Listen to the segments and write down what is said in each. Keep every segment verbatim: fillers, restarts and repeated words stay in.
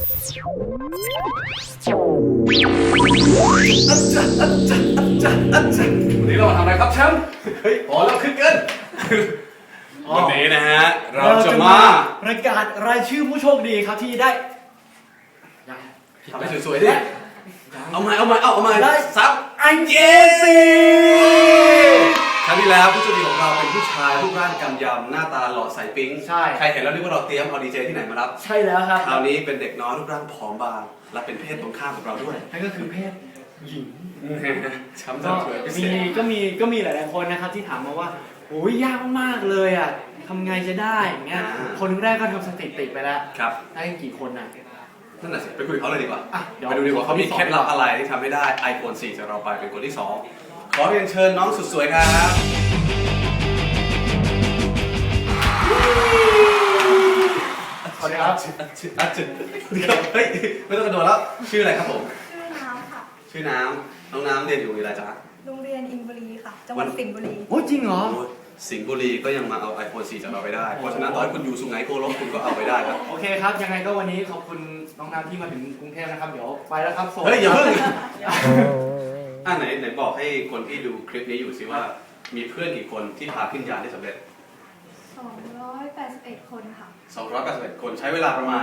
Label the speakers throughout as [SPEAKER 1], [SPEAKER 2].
[SPEAKER 1] วันนี้เรามาทำอะไรครับแชมป์เฮ้ยพอแล้วขึ้นกันวันนี้นะฮะเราจะมา
[SPEAKER 2] ประกาศรายชื่อผู้โชคดีครับที่ได้
[SPEAKER 1] ทำให้สวยๆดิเอาใหม่เอาใหม่เอาเอาใหม่ได้ซับอันเยซีครั้งที่แล้วผู้โชคดีของเราเป็นผู้ชายรูปร่างกำยำหน้าตาหล่อใสปิ๊ง
[SPEAKER 2] ใช่
[SPEAKER 1] ใครเห็นแล้วนึกว่าเราเตรียมเอาดีเจที่ไหนมารับ
[SPEAKER 2] ใช่แล้วครับ
[SPEAKER 1] คราวนี้เป็นเด็กน้อยรูปร่างผอมบางและเป็นเพศตรงข้ามกับเราด้วย
[SPEAKER 2] นั่นก็คือเพศหญิง
[SPEAKER 1] ช้ำ
[SPEAKER 2] ก็
[SPEAKER 1] สวยพิเศ
[SPEAKER 2] มี
[SPEAKER 1] ษ
[SPEAKER 2] ก็มีก็มีหลายๆคนนะครับที่ถามมาว่าโอ้ยยากมากเลยอ่ะทำไงจะได้อย่างเงี้ยคนแรกก็ทำสถิติไปแล้ว
[SPEAKER 1] ครับ
[SPEAKER 2] ได้กี่คนน่ะ
[SPEAKER 1] นั่นน่ะสิไปคุยเขาเลยดีกว่า
[SPEAKER 2] ไป
[SPEAKER 1] ดูดีกว่าเขามีเคล็ดลับอะไรที่ทำให้ได้ ไอโฟน สี่จากเราไปเป็นคนที่สองขอเรียนเชิญน้องสุดสวยครับ
[SPEAKER 2] สวัสดีครับ
[SPEAKER 1] อาจุดเฮ้ยไม่ต้องกระโดดแล้วชื่ออะไรครับผม
[SPEAKER 3] ชื่อน้ำค่ะ
[SPEAKER 1] ชื่อน้ำน้องน้ำเรียนอยู่วิทยาลัยจ๊ะ
[SPEAKER 3] โรงเรียนอินบุรีค่ะจังหวัดสิงห์บุรี
[SPEAKER 2] โอ้จริงเหรอ
[SPEAKER 1] สิงห์บุรีก็ยังมาเอา ไอโฟน สี่จากเราไปได้เพราะฉะนั้นตอนคุณอยู่สุไหงโกลกคุณก็เอาไปได้ครับ
[SPEAKER 2] โอเคครับยังไงก็วันนี้ขอบคุณน้องน้ำที่มาถึงกรุงเทพนะครับเดี๋ยวไปแล้วครับ
[SPEAKER 1] เฮ้ยอย่าเพิ่งอ่ะไหนไหนบอกให้คนที่ดูคลิปนี้อยู่สิว่ามีเพื่อนกี่คนที่พาขึ้นยานได้สำเร็จ
[SPEAKER 3] สองร้อยแปดสิบเอ็ดคนค่ะ
[SPEAKER 1] สองร้อยแปดสิบเอ็ดคนใช้เวลาประมาณ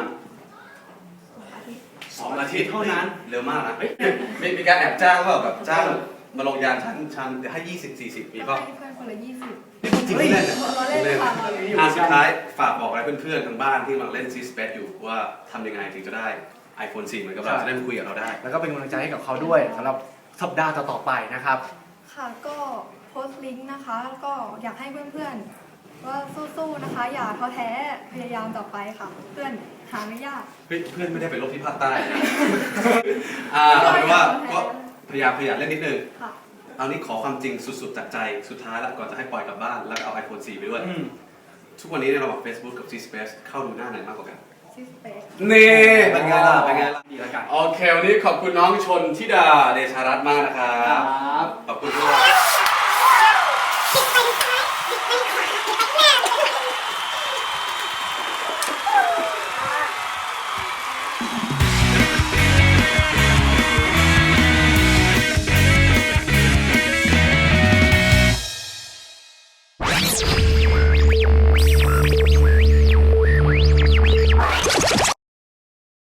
[SPEAKER 1] สองอาทิตย์เท่านั้นเร็วมากนะมีมีการแอบจ้างว่าแบบจ้างมาลงยานชั้นชั้นให้ยี่สิบสี่สิบมีป่ะ
[SPEAKER 3] เพื่อนคนละยี่สิบ
[SPEAKER 1] นี่พูดจริงเล่นเนี่ย
[SPEAKER 3] เราเล่นค่ะ
[SPEAKER 1] อ่ะสุดท้ายฝากบอกอะไรเพื่อนๆทางบ้านที่กำลังเล่นซีสเปซอยู่ว่าทำยังไงถึงจะได้ ไอโฟน สี่เหมือนกับเราจะได้มาคุยกับเราได้
[SPEAKER 2] แล้วก็เป็นกำลังใจให้กับเขาด้วยสำหรับสัปดาห์ต่อๆไปนะครับ
[SPEAKER 3] ค่ะก็โพสต์ลิงก์นะคะก็อยากให้เพื่อนๆว่าสู้ๆนะคะอย่าท้อแท้พยายามต่อไปค่ะเพื่อนหาไม่ยาก
[SPEAKER 1] เพื่อนไม่ได้ไปลบที่ภาคใต้นะอ่าเอาเป็นว่าก็พยายามพยายามเล่นนิดนึงเอานี้ขอความจริงสุดๆจากใจสุดท้ายแล้วก่อนจะให้ปล่อยกลับบ้านแล้วก็เอา ไอโฟน สี่ไปด้วยทุกวันนี้ในระหว่าง Facebook กับ G-Space เข้าดูหน้าไหนมากกว่ากัน
[SPEAKER 3] G-Space
[SPEAKER 1] นี่เป็นไงล่ะเป็นไงล่ะดีแล้วกันโอเควันนี้ขอบคุณน้องชนธิดาเดชารัตน์มากนะครับขอบคุณด้วย